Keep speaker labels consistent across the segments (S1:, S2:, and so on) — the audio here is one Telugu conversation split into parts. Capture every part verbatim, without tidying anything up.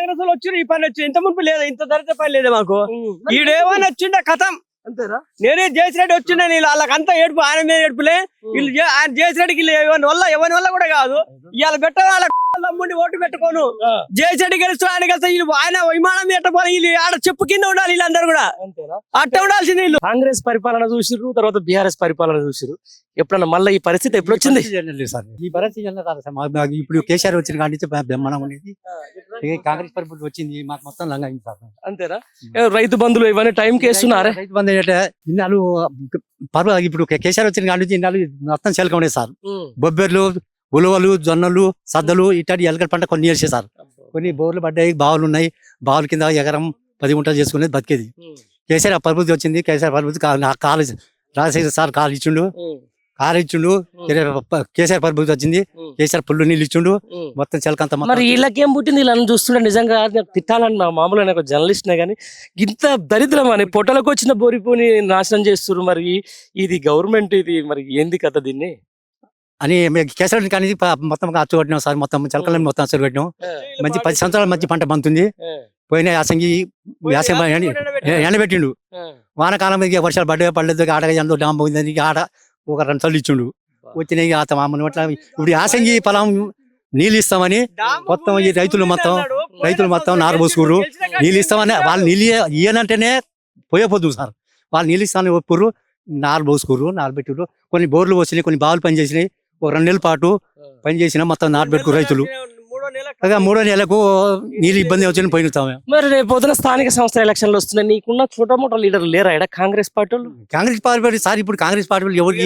S1: కాంగ్రెస్ వాళ్ళు వచ్చి ఈ పని వచ్చి ఇంత మునుపు లేదా ఇంత ధరత పని లేదా మాకు ఈడేమని వచ్చిండ కథం
S2: అంతేనా
S1: నేనే జయశ్రెడ్డి వచ్చిండే వీళ్ళు వాళ్ళకంతా ఏడుపు ఆయన మీద ఏడుపులే వీళ్ళు ఆయన జయశ్రెడ్డికి ఎవరి వల్ల ఎవరి వల్ల కూడా కాదు ఇవాళ పెట్ట వాళ్ళ తమ్ముడిని ఓటు పెట్టుకోను జయశ్రెడ్డి గెలుస్తూ ఆయన గెలుస్తా వీళ్ళు ఆయన విమానం పెట్టపోయి వీళ్ళు ఆడ చెప్పు కింద ఉండాలి వీళ్ళందరూ కూడా అట్ట ఉండాల్సింది వీళ్ళు.
S2: కాంగ్రెస్ పరిపాలన చూసిర్రు, తర్వాత బీఆర్ఎస్ పరిపాలన చూసిర్రు. ఎప్పుడన్నా మళ్ళీ ఈ పరిస్థితి ఎప్పుడు వచ్చింది?
S3: ఈ పరిస్థితి ఇప్పుడు కేసీఆర్ వచ్చిన కాడి నుంచి బ్రహ్మాండం ఉండేది. కాంగ్రెస్ పరిపాలన వచ్చింది మాకు మొత్తం లంగా అయింది సార్.
S2: అంతేనా? రైతు బంధువులు ఇవన్నీ టైం కి వేస్తున్నారా?
S3: రైతు బంధు అంటే ఇన్నాళ్ళు పర్వ ఇప్పుడు కేసీఆర్ వచ్చిన కాడి నుంచి ఇన్నాళ్ళు మొత్తం చెలక ఉండేది సార్. బొబ్బెర్లు, ఉలవలు, జొన్నలు, సద్దలు ఇట్లాంటి ఎలకల పంట కొన్ని వేసే సార్. కొన్ని బోర్లు పడ్డాయి, బావులు ఉన్నాయి. బావుల కింద ఎకరం పది గుంటలు చేసుకునేది బతికేది. కేసీఆర్ పరిస్థితి వచ్చింది. కేసీఆర్ పరిస్థితి కాలేజ్ రాజశేఖర్ సార్ కాలు ఇచ్చిండు, కాలు ఇచ్చిండు. కేసీఆర్ పరిస్థితి వచ్చింది. కేసీఆర్ పుల్లు నీళ్ళు ఇచ్చిండు. మొత్తం చెలకంత.
S2: మరి వీళ్ళకేం పుట్టింది? వీళ్ళని చూస్తుంటే నిజంగా తిట్టాలని మా మామూలు ఒక జర్నలిస్ట్ నే కానీ ఇంత దరిద్రం అని పొట్టలకు వచ్చిన బోరిపోని నాశనం చేస్తున్నారు. మరి ఇది గవర్నమెంట్ ఇది మరి ఏంది కథ దీన్ని
S3: అని కేసీఆర్ కానీ మొత్తం అచ్చు కొట్టినాం సార్. మొత్తం చెలకలని మొత్తం అచ్చు పెట్టినాం. మంచి పది సంవత్సరాల మంచి పంట పంతుంది. పోయిన యాసంగి యాసం ఎండబెట్టిండు. వానకాలం వర్షాలు పడ్డ పడలేదు. ఆడ ఎంతో డామ్ పోయిందని ఆడ ఒక రెండు సార్లు ఇచ్చిండు. వచ్చినాయి అట్లా ఇప్పుడు యాసంగి పొలం నీళ్ళు ఇస్తామని మొత్తం ఈ రైతులు మొత్తం రైతులు మొత్తం నారు పోసుకుర్రు. నీళ్ళు ఇస్తామని వాళ్ళు నీళ్ళు ఇయ్యనంటేనే పోయేపోదు సార్. వాళ్ళు నీళ్ళు ఇస్తామని ఒప్పుర్రు, నారు పోసుకుర్రు, నారు పెట్టిర్రు. కొన్ని బోర్లు వచ్చినాయి, కొన్ని బావులు పని చేసినాయి. ఒక రెండు నెలల పాటు పని చేసిన మొత్తం నాటు పెట్టుకురు రైతులు. మూడో నెలకు నీళ్ళు ఇబ్బంది వచ్చిన పోయిస్తాం.
S2: మరి రేపు పొద్దున స్థానిక సంస్థ ఎలక్షన్లు వస్తున్నాయి. నీకున్న చోట మోటో లీడర్లు లేరా ఇక్కడ Congress party?
S3: Congress party sir ఇప్పుడు కాంగ్రెస్ పార్టీ ఎవరికి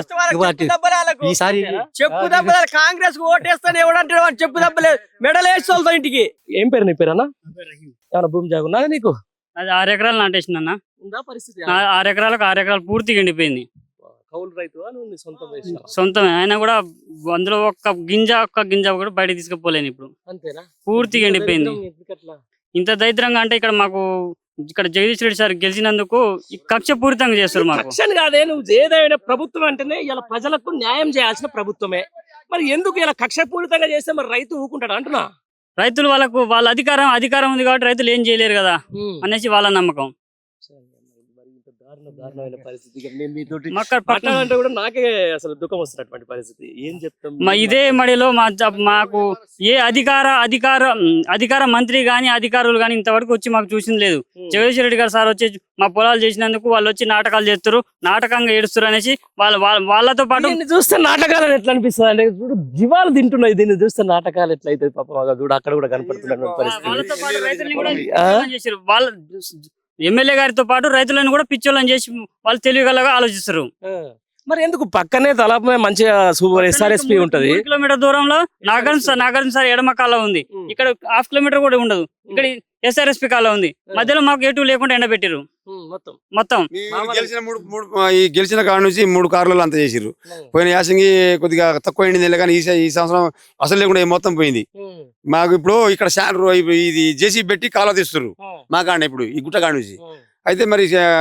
S3: ఈసారి
S1: చెప్పు దెబ్బలు కాంగ్రెస్ ఓటేస్తాను ఎవడంటే చెప్పు దెబ్బలేదు మెడల్ వేసుకోవాలి ఇంటికి.
S2: ఏం పేరు నీ పేరన్నా? ఏమన్నా భూమి జాగున్నా నీకు?
S4: అది ఆరు ఎకరాలు నాటేసిన అన్న.
S2: పరిస్థితి
S4: ఆరు ఎకరాలకు ఆరు ఎకరాలు పూర్తిగా ఎండిపోయింది.
S2: కౌలు రైతు
S4: సొంతమే అయినా కూడా అందులో ఒక్క గింజ ఒక్క గింజ కూడా బయట తీసుకుపోలేను ఇప్పుడు.
S2: అంతేనా?
S4: పూర్తిగా ఎండిపోయింది. ఇంత దరిద్రంగా అంటే ఇక్కడ మాకు ఇక్కడ జగదీష్ రెడ్డి సార్ గెలిచినందుకు కక్ష పూరితంగా చేస్తారు. మాకు
S2: కాదే, నువ్వు ఏదైనా ప్రభుత్వం అంటేనే ఇలా ప్రజలకు న్యాయం చేయాల్సిన ప్రభుత్వమే. మరి ఎందుకు ఇలా కక్ష పూరితంగా చేస్తే మరి రైతు ఊరుకుంటాడు అంటున్నా?
S4: రైతులు వాళ్ళకు వాళ్ళ అధికారం అధికారం ఉంది కాబట్టి రైతులు ఏం చేయలేరు కదా అనేసి వాళ్ళ నమ్మకం.
S2: నాకే అసలు దుఃఖం వస్తున్నటువంటి పరిస్థితి. ఏం చెప్తాం?
S4: ఇదే మడిలో మా మాకు ఏ అధికార అధికార అధికార మంత్రి గాని అధికారులు గాని ఇంతవరకు వచ్చి మాకు చూసింది లేదు. జగదీష్ రెడ్డి గారు సార్ వచ్చి మా పొలాలు చేసినందుకు వాళ్ళు వచ్చి నాటకాలు చేస్తారు, నాటకంగా ఏడుస్తారు అనేసి వాళ్ళ వాళ్ళతో పాటు
S2: చూస్తే నాటకాలు ఎట్లా అనిపిస్తుంది అంటే జీవాలు తింటున్నాయి. దీన్ని చూస్తే నాటకాలు ఎట్లయితే పాపం చూడు అక్కడ కూడా కనపడుతున్న పరిస్థితి.
S4: వాళ్ళ ఎమ్మెల్యే గారితో పాటు రైతులను కూడా పిచ్చోళ్ళని చేసి వాళ్ళు తెలివిగలగా ఆలోచిస్తారు.
S2: మరి ఎందుకు పక్కనే తలపై మంచిగా సూపర్ ఎస్ఆర్ఎస్పీ ఉంటది.
S4: కిలోమీటర్ దూరంలో నాగార్జున సార్ నాగార్జున సార్ ఎడమ కాలం ఉంది. ఇక్కడ హాఫ్ కిలోమీటర్ కూడా ఉండదు. ఇక్కడ ఎస్ఆర్ఎస్పీ కాలం ఉంది. మధ్యలో మాకు ఎటు లేకుండా ఎండబెట్టారు మొత్తం మొత్తం.
S5: గెలిచిన మూడు మూడు ఈ గెలిచిన కాడ నుంచి మూడు కార్లు అంతా చేసిర్రు. పోయిన యాసంగి కొద్దిగా తక్కువ అయింది కానీ ఈ సంవత్సరం అసలు లేకుండా మొత్తం పోయింది. మాకు ఇప్పుడు ఇక్కడ ఇది జేసీ పెట్టి కాలువ తీస్తున్నారు మా కాడ ఇప్పుడు ఈ గుట్ట కాడ నుంచి. అయితే మరి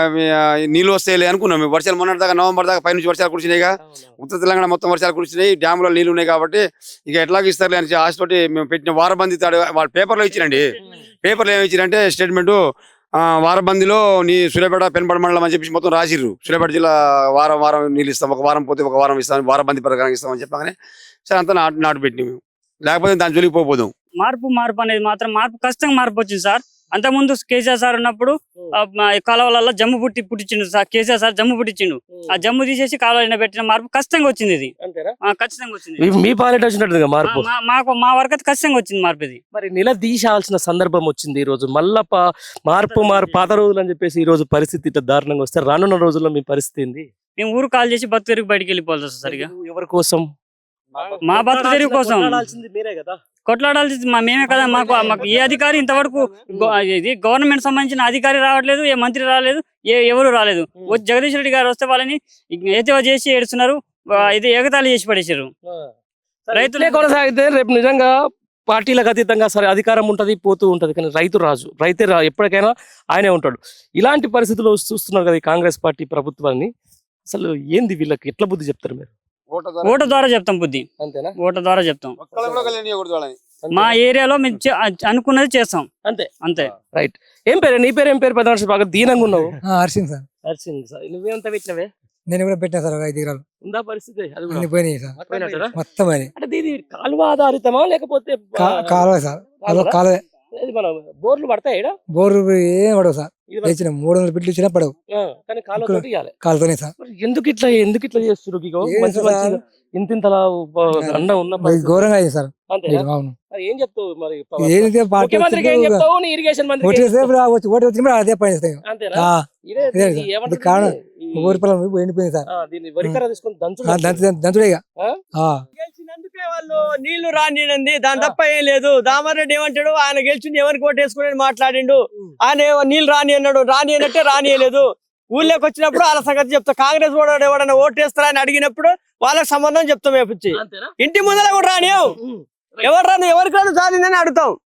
S5: నీళ్ళు వస్తాయి అనుకున్నాం. వర్షాలు మొన్నటి దాకా నవంబర్ దాకా పైనుంచి వర్షాలు కురిసినాయిగా. ఉత్తర తెలంగాణ మొత్తం వర్షాలు కురిసినాయి. డ్యాములో నీళ్ళు ఉన్నాయి కాబట్టి ఇక ఎట్లాగ ఇస్తారు అని ఆశతోటి మేము పెట్టిన వారబంది తాడు వాళ్ళ పేపర్లో ఇచ్చిరండి. పేపర్లో ఏమి ఇచ్చిరంటే స్టేట్మెంట్ వారబందిలో నీ సూర్యాపేట పెనపడ మండలం అని చెప్పేసి మొత్తం రాసిర్రు. సూర్యాపేట జిల్లా వారం వారం నీళ్ళు ఇస్తాం, ఒక వారం పోతే ఒక వారం ఇస్తాం, వారబంది ప్రకారం ఇస్తామని చెప్పగానే సరే అంతా నాటు నాటు పెట్టినాం మేము. లేకపోతే దాని జోలికి పోపోదాం.
S4: మార్పు మార్పు అనేది మాత్రం మార్పు ఖచ్చితంగా మార్పు వచ్చింది సార్. అంతకుముందు కేసీఆర్ సార్ ఉన్నప్పుడు కాలువలలో జమ్ము పుట్టి పుట్టించిండు సార్. కేసీఆర్ సార్ జమ్ము పుట్టించిండు. ఆ జమ్ము తీసేసి కాలువ పెట్టిన మార్పు ఖచ్చితంగా వచ్చింది. ఇది ఖచ్చితంగా వచ్చింది.
S2: మీ పాలిట వచ్చినట్టు మార్పు
S4: మాకు మా వరకు అయితే ఖచ్చితంగా వచ్చింది మార్పు. ఇది
S2: మరి నిలదీశాల్సిన సందర్భం వచ్చింది ఈ రోజు. మళ్ళా మార్పు మార్పు పాత రోజులు అని చెప్పేసి ఈ రోజు పరిస్థితి ఇట్లా దారుణంగా వస్తే రానున్న రోజుల్లో మీ పరిస్థితి ఏంది?
S4: మేము ఊరు కాల్ చేసి బతు తెరుగు బయటకు వెళ్ళిపోవాలి సార్. సరిగా
S2: ఎవరి కోసం?
S4: మా బతు తెరుగు కోసం
S2: మీరే కదా
S4: కొట్లాడాల్సింది మేమే కదా. మాకు మాకు ఏ అధికారి ఇంతవరకు ఇది గవర్నమెంట్ సంబంధించిన అధికారి రావట్లేదు, ఏ మంత్రి రాలేదు, ఏ ఎవరు రాలేదు. జగదీష్ రెడ్డి గారు వస్తే వాళ్ళని ఏదో చేసి ఏడుస్తున్నారు. ఇది ఎగతాళి చేసి పడేసారు.
S2: రైతులే కొనసాగితే రేపు నిజంగా పార్టీలకు అతీతంగా సరే అధికారం ఉంటది పోతూ ఉంటది కానీ రైతు రాజు రైతే రా ఎప్పటికైనా ఆయనే ఉంటాడు. ఇలాంటి పరిస్థితుల్లో చూస్తున్నారు కదా కాంగ్రెస్ పార్టీ ప్రభుత్వాన్ని. అసలు ఏంది వీళ్ళకి ఎట్లా బుద్ధి చెప్తారు మీరు?
S4: ఓటు ద్వారా చెప్తాం బుద్ధి.
S2: అంతేనా?
S4: ఓటు ద్వారా చెప్తాం. మా ఏరియాలో మేము చే- అనుకున్నది చేస్తాం
S2: అంతే
S4: అంతే.
S2: రైట్. ఏం పేరు నీ పేరు ఏం పేరు పెద్ద మనిషి బాగా దీనంగా ఉన్నావు.
S6: హర్షింగ్ సార్
S2: హర్షింగ్ సార్ నువ్వేంత పెట్టినవే
S6: నేను కూడా పెట్టాను సార్ ఒక ఐదు ఎకరాలు
S2: ఉందా పరిస్థితి అది కూడా
S6: అన్ని పోయినాయి సార్
S2: పోయినట్టేనా?
S6: మొత్తం అని
S2: అంటే దీని కాలువ ఆధారితమా లేకపోతే
S6: కా- కాలువ సార్ అదొక కాలువ
S2: ఇది మన బోర్లు పడతాయి ఈడ?
S6: బోరు ఏం పడవు సార్
S2: ఇది మన-
S6: తెచ్చిన మూడు వందల బిడ్డలు ఇచ్చినా పడవు
S2: ఆ, కానీ కాలువ తోటి ఇయ్యాలి.
S6: కాలుతోనే సార్
S2: మరి ఎందుకు ఇట్లా ఎందుకు ఇట్లా చేస్తున్నారు ఇగో
S6: ఏం
S2: మంచి
S6: సార్?
S2: మంచిగా ఇంత ఇంతలా అండ ఉన్న
S6: ఇది
S2: పరిస్థితి.
S6: ఘోరంగా అయింది సార్
S2: అంతేనా?
S6: ఇది అవును
S2: మరి ఏం చెప్తావు మరి
S6: ఏదైతే పార్టీ
S2: ముఖ్యమంత్రికి ఏం చెప్తావు నీ ఇరిగేషన్ మంత్రికి
S6: ఓటు
S2: ఏం
S6: వేస్తే
S2: చెప్తావు?
S6: వచ్చి ఓటు వచ్చిన అదే పని చేస్తాయి
S2: అంతేనా?
S6: ఆ,
S2: ఇదే
S6: ఇదే
S2: ఇది
S6: సార్.
S2: ఏమంటారు
S6: ఇది కారణం.
S2: దీన్ని? ఈ-
S6: ఊరి పొలం ఎండిపోయింది సార్
S2: ఆ, దీన్ని వరికర తీసుకొని దంచు
S6: ఆ, దంచు దంచుడే ఇక.
S2: ఆ?
S6: ఆ.
S1: గెలిచినందుకే వాళ్ళు నీళ్లు రానియండి దాని తప్ప ఏం లేదు. దామారెడ్డి ఏమంటాడు, ఆయన గెలిచింది ఎవరికి ఓటేసుకుని మాట్లాడిండు. ఆయన ఏమో నీళ్లు రాని అన్నాడు, రాని అన్నట్టే రానియలేదు. ఊళ్ళోకి వచ్చినప్పుడు వాళ్ళ సంగతి చెప్తా. కాంగ్రెస్ వాడు ఎవడన్నా ఓటేస్తారా అని అడిగినప్పుడు వాళ్ళకి సంబంధం చెప్తాం వేపించి.
S2: అంతేనా?
S1: ఇంటి ముందర కూడా రానియం.
S2: ఉమ్.
S1: ఎవరు రాను ఎవరికి రాను సాధిందని అడుగుతాం.